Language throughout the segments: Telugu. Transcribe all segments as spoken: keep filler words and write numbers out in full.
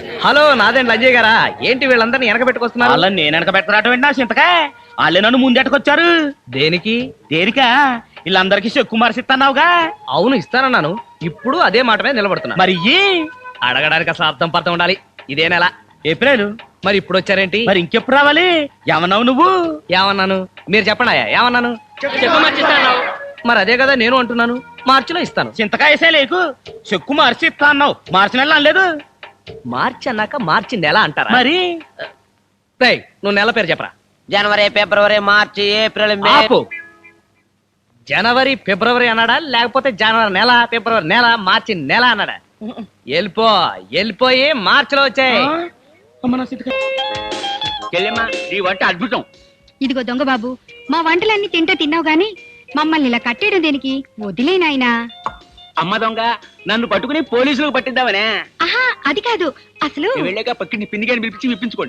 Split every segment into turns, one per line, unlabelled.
హలో నాదేంటి అజయ్ గారా? ఏంటి వీళ్ళందరినీ వెనక పెట్టుకొస్తున్నారు?
వాళ్ళని నేను వెనక పెట్టుకురావటం ఏంటి నా చింతకా? వాళ్ళే నన్ను ముందెట్టుకొచ్చారు.
దేనికి?
దేనికా? వీళ్ళందరికీ చెక్కు మరసిస్తున్నావుగా.
అవును ఇస్తానన్నాను, ఇప్పుడు అదే మాట మీద నిలబడుతున్నా.
మరి
అడగడానికి అసలు అర్థం పర్థం ఉండాలి. ఇదే నెల
ఏప్రిల్.
మరి ఇప్పుడు వచ్చారేంటి?
మరి ఇంకెప్పుడు రావాలి? ఏమన్నావు నువ్వు?
ఏమన్నాను మీరు చెప్పండి. ఏమన్నాను?
చెక్కు మర్చిస్తాను.
మరి అదే కదా నేను అంటున్నాను, మార్చిలో ఇస్తాను.
చింతకాయ వేసే లేకు, చెక్కు మార్చి ఇస్తా అన్నావు, మార్చి నెల అనలేదు.
మార్చి అన్నాక మార్చి నెల అంటారా?
మరి
రేయ్, నువ్వు నెల పేరు చెప్పరా.
జనవరి, ఫిబ్రవరి, మార్చి, ఏప్రిల్, మే.
ఆపు. జనవరి ఫిబ్రవరి అన్నాడా, లేకపోతే జనవరి నెల, ఫిబ్రవరి నెల, మార్చి నెల అన్నాడా? వెళ్ళిపో వెళ్ళిపోయి మార్చిలో వచ్చాయి.
నీ వంట అద్భుతం.
ఇదిగో దొంగ బాబు, మా వంటలన్నీ తింటే తిన్నావు గాని మమ్మల్ని ఇలా కట్టేయడం దేనికి? వదిలేనాయనా.
అమ్మ దొంగ, నన్ను పట్టుకుని పోలీసులకు పట్టిద్దామనే.
ఆహా, అది కాదు అసలు.
వెళ్ళాక పక్కిని పిండిగాని పిలిపించి విప్పించుకోండి.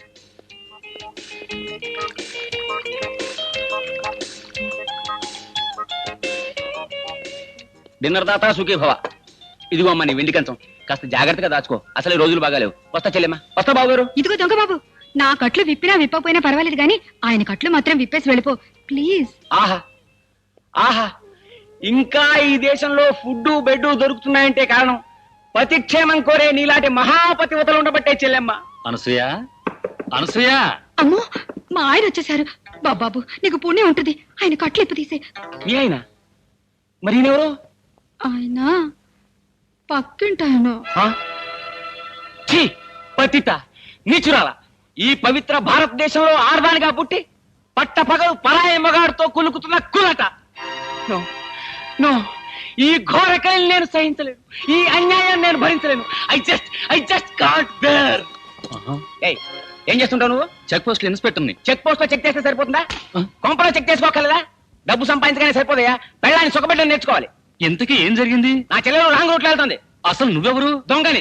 డిన్నర్ దాతా సుఖీ భవ. ఇదిగో అమ్మ నీ వెండి కంచం, కాస్త జాగ్రత్తగా దాచుకో, అసలు రోజులు బాగాలేవు. వస్తా చెల్లెమ్మా. వస్తా బాబు గారు.
ఇదిగో దొంగ బాబు, నా కట్లు విప్పినా విప్పపోయినా పర్వాలేదు గాని ఆయన కట్లు మాత్రం విప్పేసి వెళ్ళిపో ప్లీజ్.
ఆహా ఆహా, ఇంకా ఈ దేశంలో ఫుడ్ బెడ్ దొరుకుతున్నాయంటే కారణం పతిక్షేమం కోరే నీలాంటి మహాపతివతలు ఉండబట్టే చెల్లెమ్మ.
అనసూయ, అనసూయ.
అమ్మో, మా ఆయన వచ్చేసారు. బాబాబు నీకు పుణ్యం ఉంటుంది, ఆయన కట్లు ఇప్పు తీసే.
మీ ఆయన? మరి ఈయనెవరు?
ఆయన పక్కింటాయన.
ఛీ, పతిత నీచురాల. ఈ పవిత్ర భారతదేశంలో ఆర్దానిగా పుట్టి పట్ట పగలు పరాయి మగాడితో కులుకుతున్న కులట. నో నో, ఈ ఘోరకల్ని నేను సహించలేను, ఈ అన్యాయాన్ని నేను భరించలేను. I just I just can't bear. ఏయ్, ఏం చేస్తుంటావు నువ్వు?
చెక్ పోస్ట్ ఇన్స్పెక్టర్ ని.
చెక్ పోస్ట్ లో చెక్ చేస్తే సరిపోతుందా? కొంపలో చెక్ చేసుకోగలదా? డబ్బు సంపాదించగానే సరిపోదయా? పెళ్ళాన్ని సుఖపెట్టడం నేర్చుకోవాలి.
ఇంతకీ ఏం జరిగింది?
నా చెల్లెలు రాంగ్ రూట్లో వెళ్తుంది.
అసలు నువ్వెవరు?
దొంగని.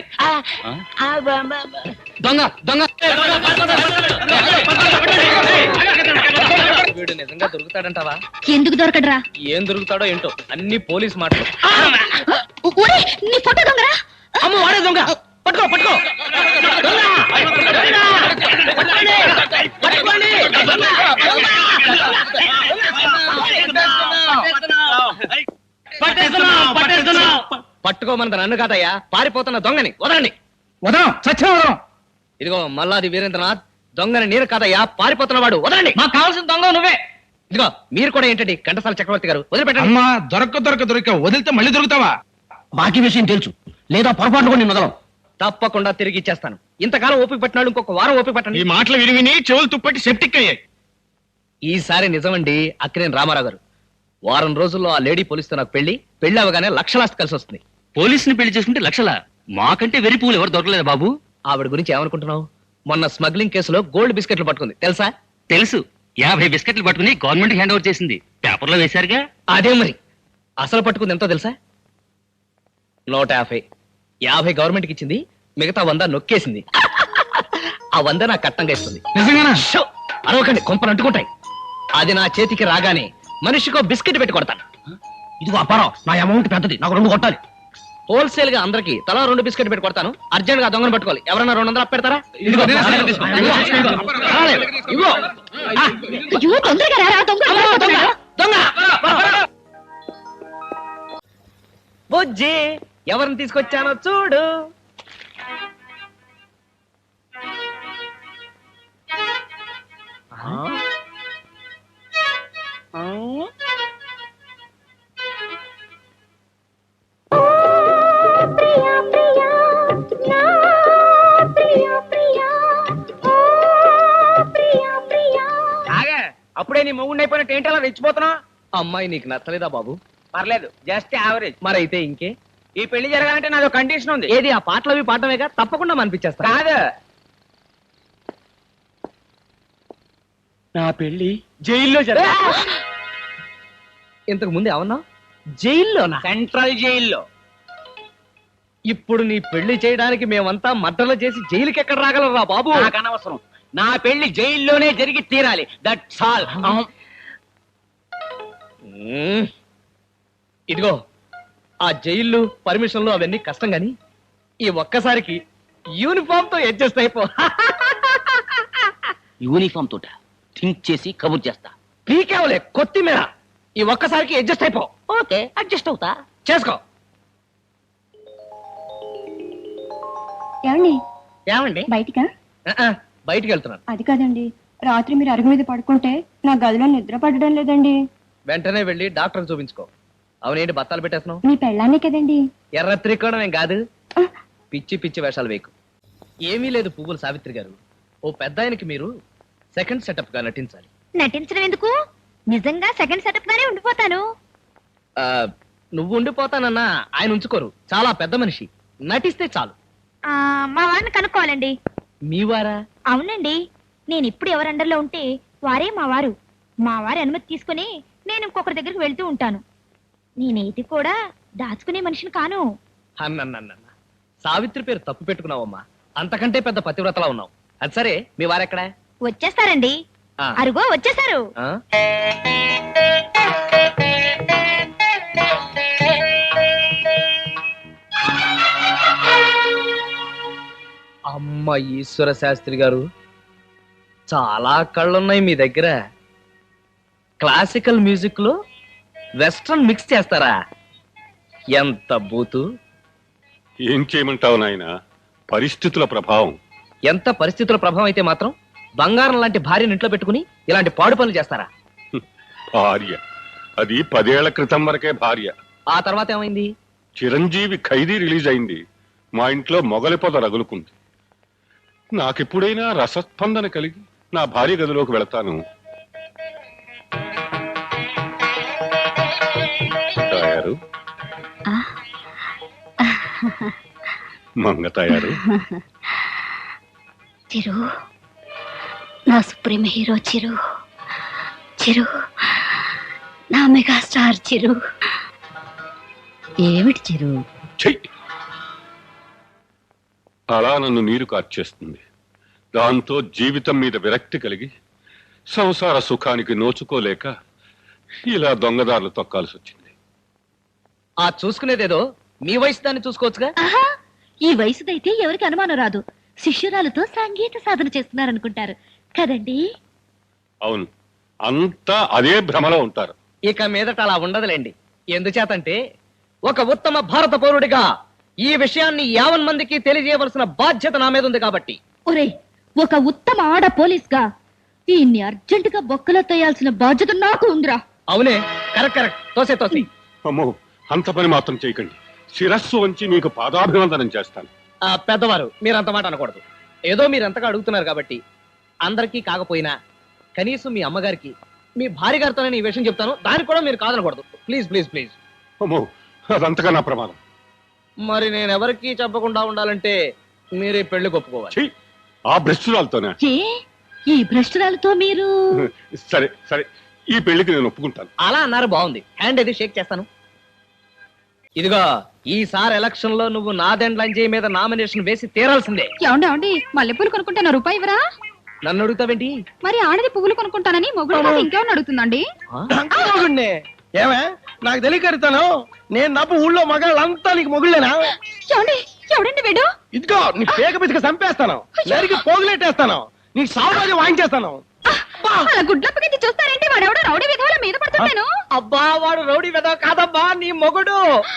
దొంగ దొంగ.
వీడు నిజంగా దొరుకుతాడంటావా?
ఎందుకు దొరకడరా?
ఏం దొరుకుతాడో ఏంటో, అన్ని పోలీస్ మాటలు.
నీ ఫోటో దొంగరా?
అమ్మ వాడే దొంగ. పట్టుకో పట్టుకో.
పట్టుకోమన్నది నన్ను కాదయ్యా, పారిపోతున్న దొంగని వదలండి.
వదం సత్యం వదం.
ఇదిగో మల్లాది వీరేంద్రనాథ్, దొంగని నేను కాదయ్యా, పారిపోతున్న వాడు. వదలండి.
మాకు కావాల్సిన దొంగ నువ్వే.
ఇదిగో మీరు కూడా ఏంటండి ఘంటసాల చక్రవర్తి గారు, వదిలిపెట్టండి.
అమ్మా, దొరక దొరక దొరిక వదిలితే మళ్ళీ దొరుకుతావా?
బాకీ విషయం తెలుసు, లేదా పొరపాటు కూడా నేను వదలం.
తప్పకుండా తిరిగి ఇచ్చేస్తాను. ఇంతకాలం ఓపిక పట్టినాడు, ఇంకొక వారం ఓపిక
ఈ
పట్టండి.
మాటలు విని విని చెవులు తుప్పట్టి సెప్టిక్ అయ్యాయి.
ఈసారి నిజమండి అక్కినేని రామారావు గారు. వారం రోజుల్లో ఆ లేడీ పోలీసుతో నాకు పెళ్లి, పెళ్లి అవగానే లక్షలాస్తి కలిసి వస్తుంది.
పోలీసుని పెళ్లి చేసుకుంటే లక్షల? మాకంటే వెరి పూలు ఎవరు దొరకలేదు బాబు.
ఆవిడ గురించి ఏమనుకుంటున్నావు? మొన్న స్మగ్లింగ్ కేసులో గోల్డ్ బిస్కెట్లు పట్టుకుంది, తెలుసా?
తెలుసు, యాభై బిస్కెట్లు పట్టుకుని గవర్నమెంట్ హ్యాండ్ ఓవర్ చేసింది. పేపర్లో వేశారుగా.
అదే మరి అసలు పట్టుకుంది ఎంతో తెలుసా? నూట యాభై. యాభై గవర్నమెంట్కి ఇచ్చింది, మిగతా వంద నొక్కేసింది. ఆ వంద నాకు కట్టంగా ఇస్తుంది.
నిజంగానా?
షో! అరవకండి, కొంపలు అంటుకుంటాయి. అది నా చేతికి రాగానే మనిషికో బిస్కెట్ పెట్టి కొడతాను.
ఇదిగో అపారం, నా అమౌంట్ పెద్దది, నాకు రెండు కొట్టాలి.
హోల్సేల్ గా అందరికి తలా రెండు బిస్కెట్ పెట్టి కొడతాను. అర్జెంట్ గా దొంగను పట్టుకోవాలి. ఎవరన్నా రెండు వందలు పెడతారా?
ఇదిగో, నేను తీసుకో.
ఇదిగో. ఆ,
అయ్యో, తొందరగా రారా, దొంగ
అమ్మో, దొంగ, దొంగ. బుజ్జి, ఎవరిని తీసుకొచ్చానో చూడు.
అప్పుడే నీ మొగుండి అయిపోయినట్టు ఏంటి అలా రెచ్చిపోతున్నావు?
అమ్మాయి నీకు నచ్చలేదా బాబు?
పర్లేదు, జస్ట్ యావరేజ్.
మరైతే ఇంకే.
ఈ పెళ్లి జరగాలంటే నాదో కండిషన్ ఉంది.
ఏది? ఆ పాటలు అవి పాడటమేగా, తప్పకుండా మనిపించేస్తా.
కాదు, నా పెళ్లి జైల్లో జరగా.
ఇంతకు ముందు ఏమన్నా? జైల్లోనా?
సెంట్రల్ జైల్లో.
ఇప్పుడు నీ పెళ్లి చేయడానికి మేమంతా మద్దలు చేసి జైలుకి ఎక్కడ రాగలరా బాబు?
నాకు అనవసరం, నా పెళ్లి జైల్లోనే జరిగి తీరాలి. That's all.
ఇదిగో, ఆ జైళ్ళు పర్మిషన్లు అవన్నీ కష్టం గాని ఈ ఒక్కసారికి యూనిఫామ్ తో అడ్జస్ట్ అయిపో.
యూనిఫామ్ తోట థింక్ చేసి కబుర్ చేస్తా.
పీకేవలే కొత్తిమీర. ఈ ఒక్కసారికి అడ్జస్ట్ అయిపో.
ఓకే అడ్జస్ట్ అవుతా.
చేసుకో.
ఏమండి
ఏమండి?
బయటికా?
ఆ, ఆ, బయటికి వెళ్తున్నాను.
అది కాదండి, రాత్రి మీరు అరుగు మీద పడుకుంటే నా గదిలో నిద్ర పడడం లేదండి.
వెంటనే వెళ్ళి డాక్టర్ చూపించుకో. అవునేంటి బత్తాలు పెట్టేస్తున్నావు?
మీ పెళ్ళాన్నే కదండి.
ఎర్ర త్రికోణం ఏం కాదు. పిచ్చి పిచ్చి వేషాలు వేయకు. ఏమీ లేదు పువ్వుల సావిత్రి గారు. ఓ పెద్ద ఆయనకి మీరు సెకండ్ సెటప్ గా నటించాలి.
నటించడం ఎందుకు? నిజంగా సెకండ్ సెటప్ గానే ఉండిపోతాను.
ఆ, నువ్వు ఉండిపోతానన్నా ఆయన ఉంచుకోరు. చాలా పెద్ద మనిషి. నటిస్తే చాలు.
ఆ, మా వారిని కనుక్కోవాలండి.
మీ వారా?
అవునండి, నేను ఇప్పుడు ఎవరి అండర్లో ఉంటే వారే మా వారు. మా వారి అనుమతి తీసుకుని నేను ఇంకొకరి దగ్గరికి వెళ్తూ ఉంటాను. నేనేది కూడా దాచుకునే మనిషిని కాను.
అన్నన్న సావిత్రి పేరు తప్పు పెట్టుకున్నావమ్మా. అంతకంటే పెద్ద పతివ్రతలా ఉన్నావు. అది సరే, మీ వారెక్కడా?
వచ్చేస్తారండి.
ఆ.
అరుగో వచ్చేసారు.
ఆ? అమ్మ ఈశ్వర శాస్త్రి గారు, చాలా కళ్ళున్నాయి మీ దగ్గర. క్లాసికల్ మ్యూజిక్ లో వెస్ట్రన్ మిక్స్ చేస్తారా? ఎంత బూతు.
ఏం చేయమంటావు నాయన, పరిస్థితుల ప్రభావం.
ఎంత పరిస్థితుల ప్రభావం అయితే మాత్రం బంగారం లాంటి భార్యను ఇంట్లో పెట్టుకుని ఇలాంటి పాడు పనులు చేస్తారా?
భార్య అది పదేళ్ల క్రితం వరకే భార్య.
ఆ తర్వాత ఏమైంది?
చిరంజీవి ఖైదీ రిలీజ్ అయింది. మా ఇంట్లో మొగలి పొద రగులుకుంది. నాకెప్పుడైనా రసస్పందన కలిగి నా భార్య గదిలోకి వెళతాను. తయారు మంగ తయారు.
చిరు, నా సుప్రీం హీరో చిరు. చిరు, నా మెగాస్టార్ చిరు. ఏమిటి చిరు?
చెయ్యి. అలా నన్ను నీరు కార్చేస్తుంది. దాంతో జీవితం మీద విరక్తి కలిగి సంసార సుఖానికి నోచుకోలేక ఇలా దొంగదారులు తొక్కాల్సి వచ్చింది.
ఆ చూసుకునేదేదో మీ వయసు దాన్ని చూసుకోవచ్చుగా.
ఆహా, ఈ వయసుదైతే ఎవరికి అనుమానం రాదు. శిష్యురాలతో సంగీత సాధన చేస్తున్నారనుకుంటారు కదండి.
అవును, అంతా అదే భ్రమలో ఉంటారు.
ఇక మీదట అలా ఉండదులేండి. ఎందుచేతంటే ఒక ఉత్తమ భారత పౌరుడిగా ఈ విషయాన్ని యావన్ మందికి తెలియజేయవలసిన బాధ్యత నా మీద ఉంది కాబట్టి.
ఒరే, ఒక ఉత్తమ ఆడ పోలీస్ గా ఈయన్ని అర్జెంటుగా బొక్కలో తోయాల్సిన బాధ్యత నాకు ఉందిరా.
అవునే, కరెక్ట్ కరెక్ట్. తోసే తోసి.
అమ్మో, అంత పని మాత్రం చేయకండి. శిరస్సు వంచి మీకు పాదాభివందనం చేస్తాను.
ఆ పెద్దవారు, మీరు అంత మాట అనకూడదు. ఏదో మీరు ఎంతగా అడుగుతున్నారు కాబట్టి అందరికీ కాకపోయినా కనీసం మీ అమ్మగారికి, మీ భార్య గారితో నేను ఈ విషయం చెప్తాను. దానికి కూడా మీరు కాదనకూడదు. Please please please.
అమ్మో, అదంతగా నా ప్రమాదం.
మరి నేను ఎవరికి చెప్పకుండా ఉండాలంటే మీరే పెళ్లి ఒప్పుకోవాలి.
చెయ్యి. ఆ భ్రష్టురాలతోనే.
ఏ ఈ భ్రష్టురాలతో మీరు?
సరే సరే, ఈ పెళ్లికి నేను ఒప్పుకుంటాను.
అలా అన్నారు, బాగుంది. హ్యాండ్ అది షేక్ చేస్తాను. ఇదిగో, ఈసారి ఎలక్షన్ లో నువ్వు నాదెండ్లంజయ్ మీద నామినేషన్ వేసి తీరాల్సిందే.
ఏమండి ఏమండి మల్లెపూలు కొనుక్కుంటాను, రూపాయి ఇవ్వరా?
నన్ను అడుగుతావేంటి?
మరి ఆడది పువ్వులు కొనుక్కుంటానని మొగుడు కాదు ఇంకేమన్నా అడుగుతుందండి?
ఏమే నాకు తెలియకరుతాను. నేను నప్పు ఊళ్ళో మగాళ్ళంతా నీకు మొగుళ్ళేనా?
ఏమండి ఎవడండి వీడు?
ఇదిగో నీ పేక పిసిక చంపేస్తాను, నరికి పోగులెట్టేస్తాను, నీ సామాన్యం వాయించేస్తాను.
అలా గుడ్లప్పగించి చూస్తారేంటి? వాడెవడో రౌడీ విధవల మీద పడుతున్నాను.
అబ్బా, వాడు రౌడీ వెదవ కాదబ్బా, నీ మొగుడు.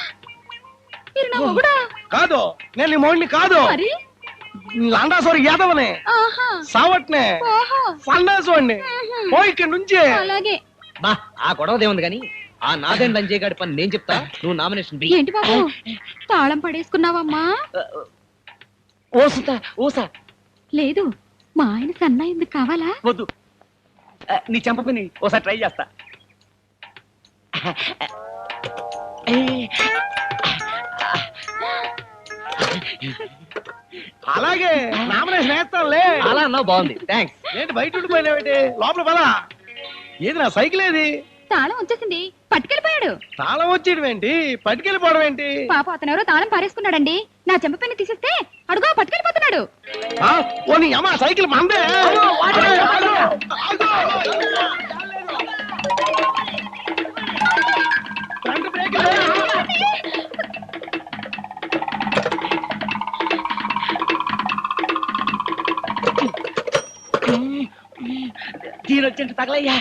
మీరు నా మొగుడా?
కాదు, నేను నీ మొగుడిని కాదు.
మరి
లండాసోరి యాదవనే,
ఆహా,
సావట్నే,
ఓహో,
సండాసోడిని. పోయి ఇక్కడి నుంచి.
అలాగే.
బా, ఆ గొడవదే ఉంది కానీ ఆ నాదెండ్ లంజయ్ గారి పని నేను చెప్తా. నువ్వు నామినేషన్ బి.
ఏంటి బాబు తాళం పడేసుకున్నావమ్మా?
ఓసుతా ఓసా.
లేదు, మా ఆయన సన్నా ఎందుకు కావాలా?
వద్దు, ఆ, నీ చెంపని ఓసారి ట్రై చేస్తా.
అలాగే నామినేషన్ వేస్తానులే.
అలా అన్నావు, బాగుంది, థ్యాంక్స్.
ఏంటి బయట ఉండిపోయినావేంటి? లోపల పదా. ఏది నా సైకిల్ ఏది?
తాళం వచ్చేసింది, పట్టుకెళ్ళిపోయాడు.
తాళం వచ్చేయడం ఏంటి, పట్టుకెళ్ళిపోవడం ఏంటి?
పాప అతను ఎవరో తాళం పారేసుకున్నాడండి. నా చెంప పెన్ను తీసిస్తే అడుగో పట్టుకెళ్ళిపోతున్నాడు.
ఆ, ఓ నీ అమ్మ సైకిల్ మందే. ఫ్రంట్ బ్రేక్ లే.
దీని వచ్చి తగలయ్యా.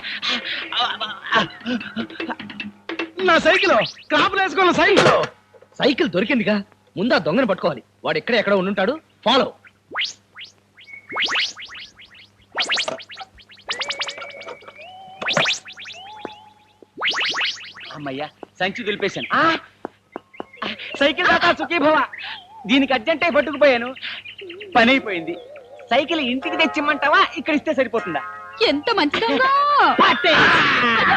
నా సైకిల్ క్రాప్ వేసుకున్న సైకిల్.
సైకిల్ దొరికిందిగా, ముందా దొంగని పట్టుకోవాలి. వాడు ఎక్కడ ఎక్కడ ఉండుంటాడు, ఫాలో.
అమ్మయ్యా, సంచి దులిపేశాను. ఆ! సైకిల్ దాకా సుఖీభవ. దీనికి అర్జెంటే పట్టుకుపోయాను, పని అయిపోయింది. సైకిల్ ఇంటికి తెచ్చిమ్మంటావా, ఇక్కడ ఇస్తే సరిపోతుందా?
ఎంత మంచి దొంగ!